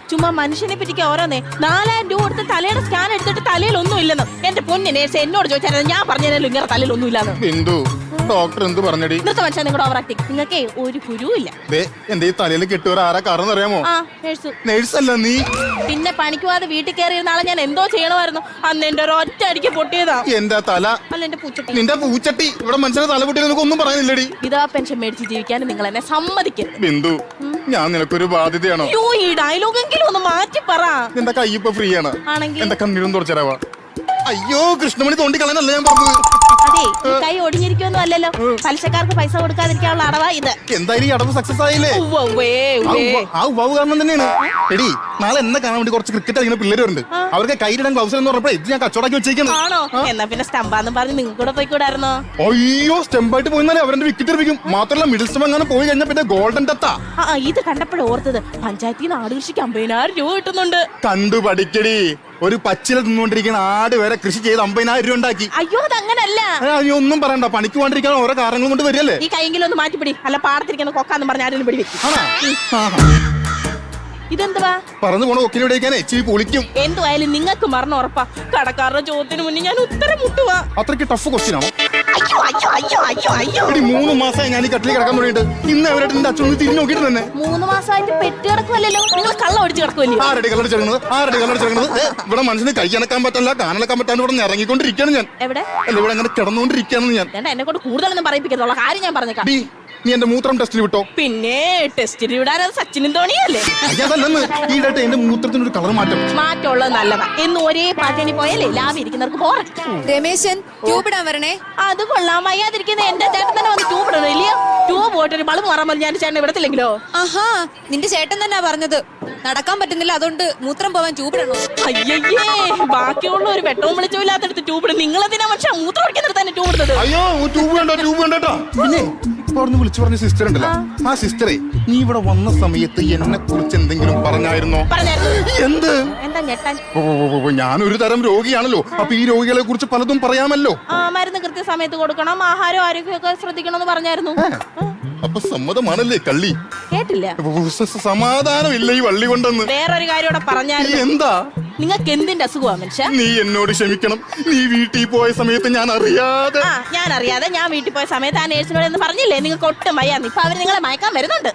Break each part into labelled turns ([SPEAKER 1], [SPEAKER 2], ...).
[SPEAKER 1] ചുമ്മാ മനുഷ്യനെ പറ്റിക്ക് ഓരോന്നേ 4000 രൂപ കൊടുത്ത് തലയുടെ സ്കാൻ എടുത്തിട്ട് തലയിൽ ഒന്നും ഇല്ലെന്ന്. എന്റെ പൊന്നു നേഴ്സ് എന്നോട് ചോദിച്ചാൽ ഞാൻ പറഞ്ഞല്ലോ ഇങ്ങനെ തലയിൽ ഒന്നും ഇല്ലാന്ന്.
[SPEAKER 2] ബിന്ദു ഡോക്ടർ എന്ത് പറഞ്ഞടി?
[SPEAKER 1] ഇന്നത്തെ മനുഷ്യൻ നിങ്ങളുടെ ഓവർ ആക്ടിങ്. നിങ്ങൾക്ക് ഒരു ഗുരുവില്ല.
[SPEAKER 2] എന്റെ ഈ തലയിൽ കെട്ടുവരെ ആരാ കാരണം അറിയാമോ? നേഴ്സ് അല്ല നീ.
[SPEAKER 1] പിന്നെ പണിക്ക് പോവാതെ വീട്ടിൽ കയറിയിരുന്ന ആളെ ഞാൻ എന്തോ ചെയ്യണമായിരുന്നു. അന്ന് എന്റെ ഒരു ഒറ്റ അടിക്ക് പൊട്ടിയതാ
[SPEAKER 2] എന്റെ തല.
[SPEAKER 1] അല്ല എന്റെ പൂച്ചട്ടി.
[SPEAKER 2] നിന്റെ പൂച്ചട്ടി ഇവിടെ മനുഷ്യനെ തല പൊട്ടിയത് നിനക്ക് ഒന്നും പറയുന്നില്ലടി.
[SPEAKER 1] ഇതാ പെൻഷൻ മേടിച്ച് ജീവിക്കാൻ നിങ്ങൾ എന്നെ സമ്മതിക്കരുത്.
[SPEAKER 2] ബിന്ദു ഞാൻ നിനക്കൊരു ബാധ്യതയാണോ?
[SPEAKER 1] ഈ ഡയലോഗെങ്കിലും ഒന്ന് മാറ്റി പറ.
[SPEAKER 2] നിന്റെ കൈ ഇപ്പൊ ഫ്രീ ആണ്.
[SPEAKER 1] ആണെങ്കിൽ
[SPEAKER 2] എന്റെ കണ്ണീരും തുറച്ചരാവാ. അയ്യോ കൃഷ്ണമണി തോണ്ടി കളയാനല്ല ഞാൻ പറഞ്ഞത്.
[SPEAKER 1] അതെ ഈ കൈ ഒടിഞ്ഞിരിക്കൊന്നും അല്ലല്ലോ. പലിശക്കാർക്ക് പൈസ കൊടുക്കാതിരിക്കാനുള്ള അടവാ ഇത്.
[SPEAKER 2] എന്തായാലും ഈ അടവ് സക്സസ് ആയില്ലേ? ആ ഉവ്വ് കാരണം തന്നെയാണ്. എടി നാളെ എന്നെ കാണാൻ വേണ്ടി കുറച്ച് ക്രിക്കറ്റ് കളിക്കുന്ന പിള്ളേർ വരുന്നുണ്ട്. അവർക്ക് കൈയിടാൻ ഗ്ലൗസ് എന്ന് പറഞ്ഞപ്പോ ഇത് ഞാൻ കച്ചവടാക്കി വെച്ചേക്കുന്നു.
[SPEAKER 1] ആണോ? എന്നാ പിന്നെ സ്റ്റംപാന്ന് പറഞ്ഞ് നിങ്ങൾക്ക് കൂടെ പോയിക്കൂടായിരുന്നോ?
[SPEAKER 2] അയ്യോ സ്റ്റെമ്പായിട്ട് പോയിന്നാലേ അവരുടെ വിക്കറ്റ് എറിയിക്കും. മാത്രമല്ല മിഡിൽ സ്റ്റം അങ്ങനെ പോയി കഴിഞ്ഞാൽ പിന്നെ ഗോൾഡൻ ടത്താ.
[SPEAKER 1] ഇത് കണ്ടപ്പോഴും ഓർത്തത് പഞ്ചായത്തിൽ നിന്ന് ആട് കൃഷിക്ക് 50,000 രൂപ കിട്ടുന്നുണ്ട്.
[SPEAKER 2] കണ്ടു പഠിക്കടി. ഒരു പച്ചില തിന്നുകൊണ്ടിരിക്കുന്ന ആട് വരെ കൃഷി ചെയ്ത് 50,000 രൂപ ഉണ്ടാക്കി.
[SPEAKER 1] അയ്യോ അതങ്ങനല്ല.
[SPEAKER 2] ഒന്നും പറയണ്ട. പണിക്ക് പോകാണ്ടിരിക്കാൻ ഓരോ കാരണങ്ങൾ കൊണ്ട് വരില്ലേ.
[SPEAKER 1] ഈ കൈയെങ്കിലും ഒന്ന് മാറ്റിപ്പിടി. അല്ല പാടത്തിരിക്കുന്ന കൊക്കാന്ന് പറഞ്ഞ ആരും പിടി വെക്കും. ഇതെന്തുവാ
[SPEAKER 2] പറഞ്ഞു പോണ ഒക്കിനെ വിടേക്കാനേ ഇച്ചിരി പൊളിക്കും.
[SPEAKER 1] എന്തുവായാലും നിങ്ങൾക്ക് മരണം ഉറപ്പാ. കടക്കാരുടെ ചോദ്യത്തിന് മുന്നേ ഞാൻ ഉത്തരം മുട്ടുവാ.
[SPEAKER 2] അത്രയ്ക്ക് ടഫ് ക്വസ്റ്റ്യൻ ആണോ?
[SPEAKER 1] അയ്യോ അയ്യോ അയ്യോ അയ്യോ അയ്യോ
[SPEAKER 2] 3 മാസമായി ഞാൻ ഈ കട്ടിൽ കിടക്കാൻ തുടങ്ങിയിട്ട്. ഇന്ന് അവരായിട്ട് എന്റെ അച്ഛൻ തിരിഞ്ഞു നോക്കിയിട്ട് തന്നെ
[SPEAKER 1] 3 മാസമായിട്ട് പെട്ടി കിടക്കുമല്ലോ. നിങ്ങൾ കള്ളം ഒടിച്ച് കിടക്കുമല്ലോ.
[SPEAKER 2] ആരുടെ കല്ലടിച്ചിറങ്ങുന്നത്? ഇവിടെ മനുഷ്യന് കൈ അണക്കാൻ പറ്റില്ല, കാനടക്കാൻ പറ്റാണ്ട് ഇവിടെ ഇറങ്ങിക്കൊണ്ടിരിക്കുകയാണ് ഞാൻ.
[SPEAKER 1] എവിടെ?
[SPEAKER 2] അല്ല ഇവിടെ അങ്ങനെ കിടന്നുകൊണ്ടിരിക്കുകയാണ് ഞാൻ.
[SPEAKER 1] എന്നെ കൊണ്ട് കൂടുതലൊന്നും പറയിപ്പിക്കത്തുള്ള കാര്യം ഞാൻ പറഞ്ഞേക്കാം.
[SPEAKER 2] നീ എന്റെ മൂത്രം ടെസ്റ്റിൽ വിട്ടോ?
[SPEAKER 1] പിന്നെ ടെസ്റ്റിൽ വിടാൻ അത് സച്ചിനും ധോണിയല്ലേ?
[SPEAKER 2] അതല്ലെന്ന് ഈടായിട്ട് എന്റെ മൂത്രത്തിന് ഒരു കളർ
[SPEAKER 1] മാറ്റമുള്ളത് നല്ലതാ. എന്ന് ഒരേ പാറ്റേണി പോയാലേ ലാഭം ഇരിക്കുന്നവർക്ക് പോരാ.
[SPEAKER 3] രമേശൻ ട്യൂബ് ഇടാൻ വരണേ.
[SPEAKER 1] അത് കൊള്ളാം. വയ്യാതിരിക്കുന്ന എന്റെ ചേട്ടൻ തന്നെ വന്ന് ട്യൂബ് ഇടണം ഇല്ലയോ? ട്യൂബ് പോയിട്ട് ഒരു ബൾബ് മാറാൻ ഞാൻ ചേട്ടൻ ഇവിടത്തില്ലെങ്കിലോ?
[SPEAKER 3] ആഹാ നിന്റെ ചേട്ടൻ തന്നെ പറഞ്ഞത് നടക്കാൻ പറ്റുന്നില്ല അതുകൊണ്ട് മൂത്രം പോവാൻ ട്യൂബ് ഇടണം.
[SPEAKER 1] അയ്യേ ബാക്കിയുള്ള ഒരു വെട്ടവും വെളിച്ചവും ഇല്ലാത്തടുത്ത് ട്യൂബ് ഇടും. നിങ്ങളെന്തിനാ പക്ഷെ മൂത്രം ഒഴിക്കുന്നിടത്ത് തന്നെ ട്യൂബ് ഇടുന്നത്?
[SPEAKER 2] അയ്യോ ട്യൂബ് വേണ്ടോ. പിന്നെ വിളിച്ചു പറഞ്ഞ സിസ്റ്റർ ഉണ്ടല്ലോ, ആ സിസ്റ്ററെ നീ ഇവിടെ വന്ന സമയത്ത് എന്നെ കുറിച്ച് എന്തെങ്കിലും പറഞ്ഞായിരുന്നോ? എന്ത്?
[SPEAKER 1] എന്താ ഞെട്ടാൻ?
[SPEAKER 2] ഞാനൊരു തരം രോഗിയാണല്ലോ. അപ്പൊ ഈ രോഗികളെ കുറിച്ച് പലതും പറയാമല്ലോ.
[SPEAKER 1] മരുന്ന് കൃത്യസമയത്ത് കൊടുക്കണം, ആഹാരം ആരോഗ്യമൊക്കെ ശ്രദ്ധിക്കണം എന്ന് പറഞ്ഞായിരുന്നു.
[SPEAKER 2] അപ്പൊ സമ്മതമാണല്ലേ കള്ളി?
[SPEAKER 1] കേട്ടില്ല.
[SPEAKER 2] സമാധാനമില്ല ഈ വള്ളി കൊണ്ടെന്ന്.
[SPEAKER 1] വേറൊരു കാര്യം കൂടെ പറഞ്ഞായിരുന്നു.
[SPEAKER 2] എന്താ?
[SPEAKER 1] നിങ്ങൾക്ക് എന്തിന്റെ അസുഖമാ മനുഷ്യ?
[SPEAKER 2] നീ എന്നോട് ക്ഷമിക്കണം. നീ വീട്ടിൽ പോയ സമയത്ത് ഞാൻ അറിയാതെ
[SPEAKER 1] ഞാൻ വീട്ടിൽ പോയ സമയത്ത് ആ നേഴ്സിനോട് എന്ന് പറഞ്ഞില്ലേ നിങ്ങൾക്ക് ഒട്ടും വയ്യാന്ന്. ഇപ്പൊ അവര് നിങ്ങളെ മയക്കാൻ വരുന്നുണ്ട്.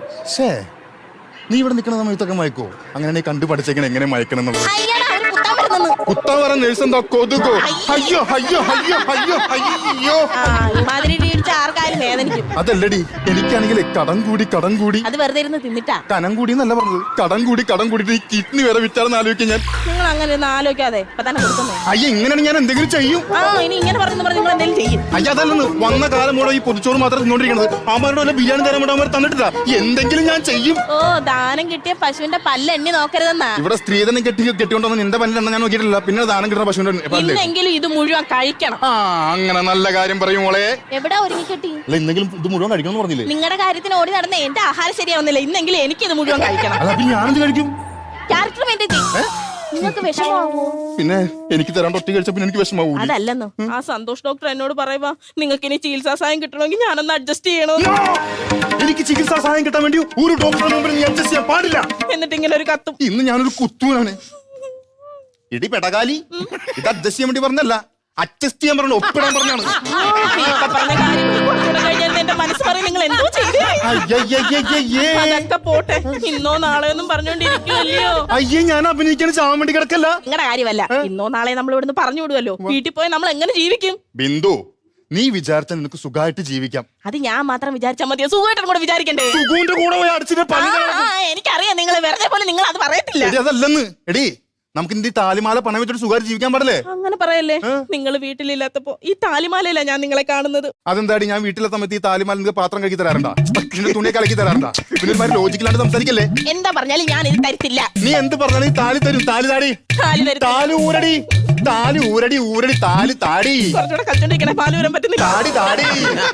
[SPEAKER 2] നീ ഇവിടെ നിൽക്കുന്ന സമയത്തൊക്കെ മയക്കോ? അങ്ങനെ കണ്ടു പഠിച്ചേക്കണം എങ്ങനെ മയക്കണം എന്നുള്ളത്. കുത്താൻ വരാൻ നേഴ്സ് എന്താ കൊതുകോ? അയ്യോ അയ്യോ അയ്യോ അയ്യോ അയ്യോ
[SPEAKER 1] ആർക്കാരും വേദനിക്കും.
[SPEAKER 2] അതല്ലടി എനിക്കാണെങ്കിൽ കടം കൂടി
[SPEAKER 1] അത് വെറുതെ ഇരുന്ന് തിന്നിട്ടാ.
[SPEAKER 2] കനം കൂടി എന്നല്ല പറഞ്ഞത്, കടം കൂടി കിഡ്നി വരെ വിറ്റാണെന്ന് ആലോചിക്കാൻ ഞാൻ.
[SPEAKER 1] നിങ്ങൾ അങ്ങനെ ഒന്നും ആലോചിക്കാതെ ഇപ്പൊ തന്നെ കൊടുക്കുന്നേ.
[SPEAKER 2] അയ്യ ഇങ്ങനെയാണ് ഞാൻ എന്തെങ്കിലും ചെയ്യും.
[SPEAKER 1] ഇനി ഇങ്ങനെ പറഞ്ഞു നിങ്ങൾ എന്തെങ്കിലും ചെയ്യും.
[SPEAKER 2] അയ്യ അതല്ലെന്ന് വന്ന കാലം കൂടെ ഈ പൊതിച്ചോറ് മാത്രം തിന്നോണ്ടിരിക്കണത്. അവരുടെ വല്ല ബിരിയാണി തരാൻ വേണ്ടി അവർ തന്നിട്ടില്ല. എന്തെങ്കിലും ഞാൻ ചെയ്യും.
[SPEAKER 1] ദാനം കിട്ടിയ പശുവിന്റെ പല്ല് എണ്ണി നോക്കരുതെന്നാ.
[SPEAKER 2] ഇവിടെ സ്ത്രീധനം കെട്ടിക്കൊണ്ടോ നിന്റെ പല്ലെണ്ണ ഞാൻ നോക്കിയിട്ടില്ല. പിന്നെ ദാനം കിട്ടുന്ന പശുവിന്റെ
[SPEAKER 1] ഇന്നെങ്കിലും ഇത് മുഴുവൻ കഴിക്കണം.
[SPEAKER 2] അങ്ങനെ നല്ല കാര്യം പറയും മോളെ.
[SPEAKER 1] എവിടെ ഒരുങ്ങി കെട്ടി?
[SPEAKER 2] ഇന്നെങ്കിലും ഇത് മുഴുവൻ കഴിക്കണം പറഞ്ഞില്ലേ?
[SPEAKER 1] നിങ്ങളുടെ കാര്യത്തിന് ഓടി നടന്ന എന്റെ ആഹാരം ശരിയാവുന്നില്ല. ഇന്നെങ്കിലും എനിക്ക് ഇത് മുഴുവൻ കഴിക്കണം.
[SPEAKER 2] ഞാനെന്ത് കഴിക്കും?
[SPEAKER 1] ക്യാരക്ടർ വേണ്ടി നിങ്ങൾക്ക് വിഷമാവോ?
[SPEAKER 2] പിന്നെ എനിക്ക് തരാണ്ട് ഒറ്റ കഴിച്ച പിന്നെ എനിക്ക് വിഷമാവൂ.
[SPEAKER 1] അതല്ലെന്നോ ആ സന്തോഷ് ഡോക്ടർ എന്നോട് പറയുവാ നിങ്ങൾക്ക് ഇനി ചികിത്സാ സഹായം കിട്ടണമെങ്കിൽ ഞാനൊന്ന് അഡ്ജസ്റ്റ് ചെയ്യണോ?
[SPEAKER 2] എനിക്ക് ചികിത്സാ സഹായം കിട്ടാൻ വേണ്ടി ഒരു ഡോക്ടറെ മുമ്പിൽ നീ അഡ്ജസ്റ്റ് ചെയ്യാൻ പാടില്ല.
[SPEAKER 1] എന്നിട്ട് ഇങ്ങനെ ഒരു കത്തും.
[SPEAKER 2] ഇന്ന് ഞാനൊരു കുത്തൂനാണ്. ഇടി പെടകാലി ഇത് അഡ്ജസ്റ്റ് ചെയ്യാൻ വേണ്ടി പറഞ്ഞല്ല, അഡ്ജസ്റ്റ് ചെയ്യാൻ പറഞ്ഞു, ഒപ്പിടാൻ പറഞ്ഞാണ്.
[SPEAKER 1] എന്റെ മനസ്സ് പറയും നിങ്ങൾ എന്തോ ചെയ്തേ പോട്ടെ. ഇന്നോ നാളെയൊന്നും പറഞ്ഞോണ്ടിരിക്കുമല്ലോ.
[SPEAKER 2] അയ്യേ ഞാൻ അഭിനയിക്കാൻ ചാവാൻ വേണ്ടി കിടക്കല്ല.
[SPEAKER 1] നിങ്ങളുടെ കാര്യമല്ല. ഇന്നോ നാളെ നമ്മൾ ഇവിടുന്ന് പറഞ്ഞു വിടുമല്ലോ. വീട്ടിൽ പോയി നമ്മൾ എങ്ങനെ ജീവിക്കും?
[SPEAKER 2] ബിന്ദു നീ വിചാരിച്ചാൽ നിനക്ക് സുഖമായിട്ട് ജീവിക്കാം.
[SPEAKER 1] അത് ഞാൻ മാത്രം വിചാരിച്ചാൽ മതിയോ? സുഖമായിട്ടും കൂടെ വിചാരിക്കണ്ടേ?
[SPEAKER 2] സുഖുവിന്റെ കൂടെ പോയി അടിച്ചിട്ട്
[SPEAKER 1] എനിക്കറിയാം നിങ്ങൾ വെറുതെ പോലെ നിങ്ങൾ അത് പറയത്തില്ല.
[SPEAKER 2] അതല്ലെന്ന് എടി നമുക്ക് ഈ താലിമാല പണം വെച്ചിട്ട് സുഖമായിട്ട് ജീവിക്കാൻ പാടില്ലേ?
[SPEAKER 1] അങ്ങനെ പറയല്ലേ. നിങ്ങൾ വീട്ടിലില്ലാത്തപ്പോ ഈ താലിമാലയല്ല ഞാൻ നിങ്ങളെ കാണുന്നത്.
[SPEAKER 2] അതെന്താടി ഞാൻ വീട്ടിലെ സമയത്ത് ഈ താലിമാല നിങ്ങൾക്ക് പാത്രം കലക്കി തരാറുണ്ടാ? തുണിയെ കലക്കി തരാറുണ്ടാ? പിന്നെ ലോജിക്കലാണ്ട് സംസാരിക്കല്ലേ?
[SPEAKER 1] എന്താ പറഞ്ഞാലും ഞാൻ ഇത് തരത്തില്ല.
[SPEAKER 2] നീ എന്ത് പറഞ്ഞാലും ഈ താലി തരും. താലി താടി, താലി ഊരടി, താലി ഊരടി, ഊരടി താലി താടി.
[SPEAKER 1] കുറച്ചുകൂടെ കളിച്ചോണ്ടിരിക്കണേ, പാല് വരാൻ പറ്റുന്നില്ല.
[SPEAKER 2] താടി താടി.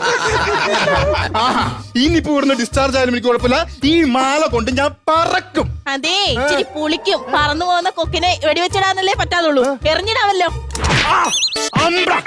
[SPEAKER 2] ഇനിയിപ്പോ ഇവിടുന്ന് ഡിസ്ചാർജ് ആയാലും എനിക്ക് കുഴപ്പമില്ല. ഈ മാല കൊണ്ട് ഞാൻ പറക്കും.
[SPEAKER 1] അതെ ഇച്ചിരി പുളിക്കും. പറന്നു പോകുന്ന കൊക്കിനെ വെടിവെച്ചിടാന്നല്ലേ പറ്റാതുള്ളൂ. എറിഞ്ഞിടാമല്ലോ.